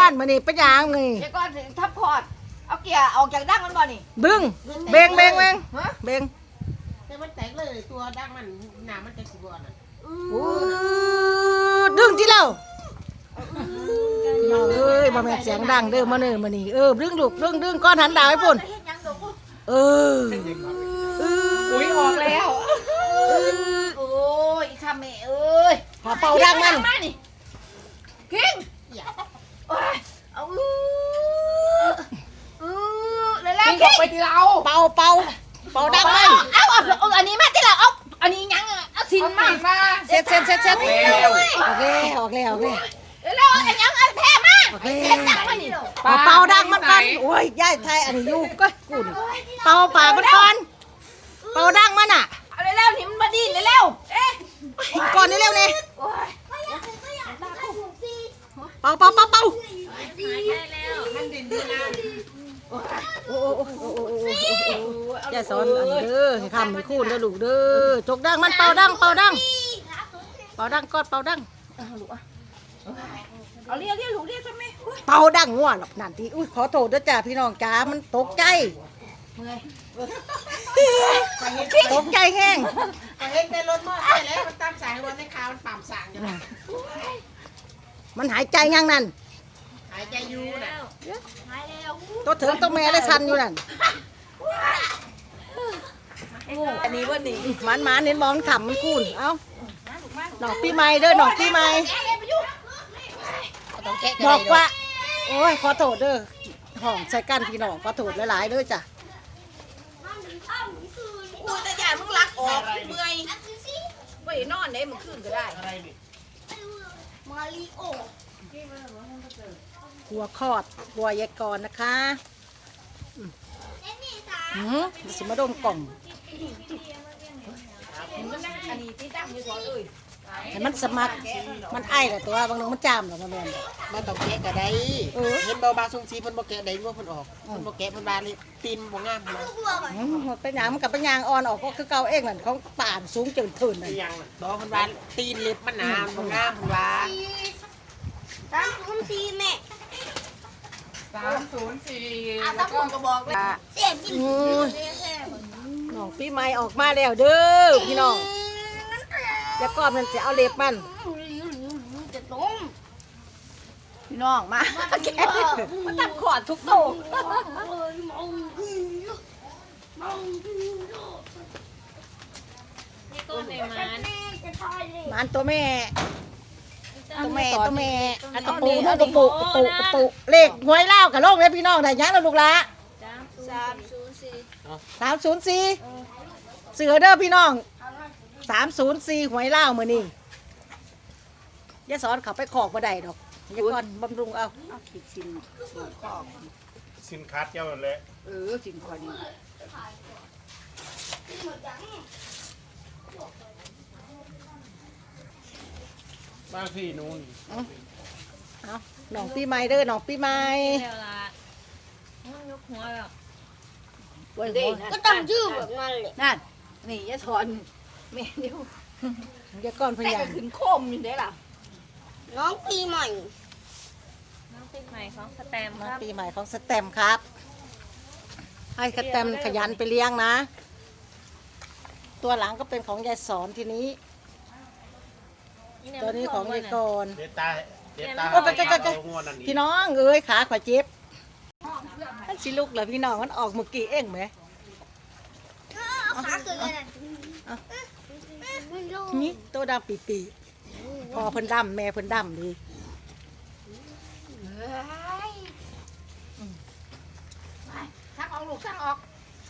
อนมื้อนี้เป็นหยังนี่เดี๋ยวก่อนทับคอร์ดเอาเกียร์ออกจากดั้งมันบ่นี่บึ้งเบงเบงเบงฮะเบงแต่มันแตกเลยตัวดังมันหนามันจะสิบอ่ะดึงที่เราน้องเอ้ยบ่แม่นเสียงดังเด้อมาเด้อมื้อนี้ดึงลูกดึงก้อนหันดาวให้พุ่นเอออุ้ยออกแล้วโอ้ยทำแม่เอ้ยพอเป่าดังมันมานี่คิงโอ้ยเอาเลยแล้วคิงไปที่เราเป่าดังมันเอาอันนี้มาที่เราเอาอันนี้ยังเอาสินมาเสร็จออกแล้วแล้วอันยังเอาแพ้มาโอเคเล่นดังมานี่เป่าดังมันก่อนโอ้ยยายไทยอันนี้อยู่ก็กูนี่เป่าปากมันก่อนเป่าดังมันอ่ะเอาเร็วๆนี่มันมาดีเร็วๆเอ๊ะก่อนเร็วๆนี่โอ้ยเป่ามันเด่นดีนะโอ้อย่าสอนอันเด้อให้คำให้คูณเด้อลูกเด้อจกดังมันเป่าดังก่อนเป่าดังเอาเรียกลูกเรียกใช่ไหมเป่าดังง่วหรอกนั่นทีอุ้ยขอโทษด้วยจ้าพี่น้องจ้ามันตกใจเมื่อยตกใจแห้งก็เห็นในรถมอเตอร์ไซค์แล้วมันตามสายรถในขาวมันปั่มสางอยู่นะมันหายใจยังนั่นหายใจอยู่นะหายแล้วตัวเถิงตัวแม่และชันอยู่นั่นอันนี้วันนี้มันเน้นมองขำมันคูณเอ้าหนอกปีใหม่เด้อหนอกปีใหม่บอกว่าโอ้ยขอโทษเด้อห้องใส่กันพี่น้องขอโทษหลายๆเด้อจ้ะกูจะอยากมึงรักออกเมื่อยไปนอนได้มึงคืนก็ได้อะไรนี่หัวคอดบัวยายกรนะคะสิมาดมกล่องอันนี้ที่ตั้งอยู่ก่อนเลยให้มันสมัครมันไอ้แหละตัวบางนึงมันจามหรอกมาแม่นมันต้องแกะก็ได้เห็นเบาบาทรงสีเพิ่นบ่แกะได้ว่าเพิ่นออกเพิ่นบ่แกะเพิ่นบาเลยตีนบ่งามนะเป็นหยังมันกับเป็นหยางอ่อนออกก็คือเก่าเองนั่นเขาป่านสูงจนถึงนั่นยังน่ะบ่เพิ่นบาตีนเล็บมันหนาบ่งามเพิ่นว่าตะกุ่มก็บอกเลยน้องปีใหม่ออกมาแล้วเด้อพี่น้องแล้วก็มันจะเอาเล็บมันพี่น้องมาแกมาทำขอดทุกโตมันตัวแม่อันกระปูกระปูเลขหวยเล่ากับโลกเลยพี่น้องได้ยังแล้วลูกละ304เสือเด้อพี่น้อง304หวยเล่ามื้อนี้อย่าสอนเขาไปขอกบ่ได้ดอกอย่าก่อนบำรุงเอาขีดสินขอบสินค้าเจ้าเลยสินขอดีบ้านพี่นู้นเอาน้องปีใหม่เด้อน้องปีใหม่แล้วล่ะยกหัวแล้วก็ตั้งชื่อแบบนั้นเลยนั่นนี่ยะถอนแม่เดียวอย่าก่อนพแต่ยาก็ยามขึ้นโคมอยู่ได้ล่ะน้องปีใหม่ของสแตมป์ครับปีใหม่ของสแตมป์ครับ ให้สแตมป์ขยันไปเลี้ยงนะ ตัวหลังก็เป็นของยายสอนทีนี้ ตัวนี้ของยายกรเดตาโอ้ไปเอางวดอันนี้พี่น้องเอ้ยขาขวาเจ็บมันสิลูกเหรอพี่น้องมันออกเมื่อกี้เองไหมนี่ตัวดำปีพอเพิ่นดำแม่เพิ่นดำดีชักออกลูกชักออก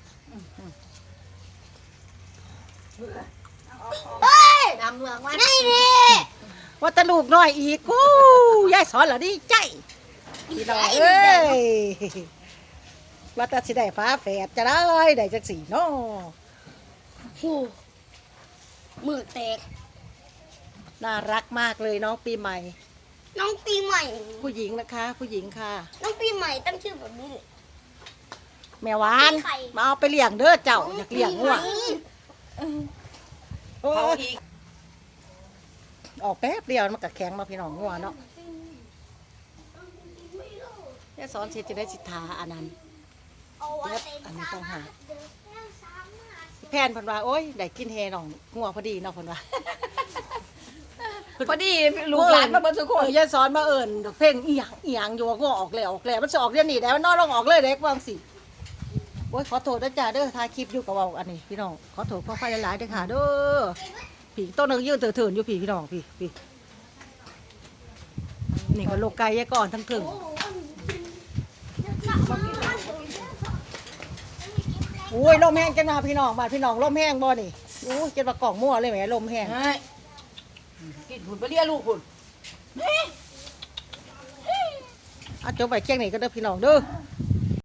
ดำเมืองว่านี่ว่าแตะลูกน้อยอีกกูยายสอนเหรอดีใจพี่น้องเอ้ยว่าแต่สิได้ฟ้าแฝดจะได้จักสี่เนาะมือแตกน่ารักมากเลยน้องปีใหม่น้องปีใหม่ผู้หญิงนะคะ ผู้หญิงค่ะน้องปีใหม่ตั้งชื่อแบบนี้เลยแม่หวานมาเอาไปเลี้ยงเด้อเจ้าอยากเลี้ยงงัวโอ้เขายอีกออกแป๊บเดียวมันก็แข็งมาพี่น้องงัวเนาะยายสอนเสร็จจะได้สิทาอันนั้นเอาไว้เล็บอันนี้ต้องหาแพนเพิ่นว่าโอ้ยได้กินแฮหนองงัวพอดีเนาะเพิ่นว่าพอดีลูกหลานมาเบิ่งทุกคนยายสอนมาเอิ้นดอกเพลงอีหยังอยู่ว่างัวออกแล้วมันสิออกเดี๋ยวนี้แล้วนอนลองออกเลยเด็กว่าจังซี่โอ้ยขอโทษนะจ้าเด้อถ่ายคลิปอยู่กับเว้าอันนี้พี่น้องขอโทษขออภัยหลายๆเด้อค่ะเด้อพี่ต้นนึงยืนเถินๆอยู่พี่น้องพี่นี่ก็โลกไก่ยายก่อนทั้งถึงโอ้ยลมแห้งจังนะพี่น้องบ้านพี่น้องลมแห้งบ่นี่โอ้ยเจ็ดว่ากล่องมั่วเลยแหมลมแห้งเฮ้ยกินผุนไปเรียกลูกคุณเอาจบไปเคียงนี่ก็เด้อพี่น้องเด้อ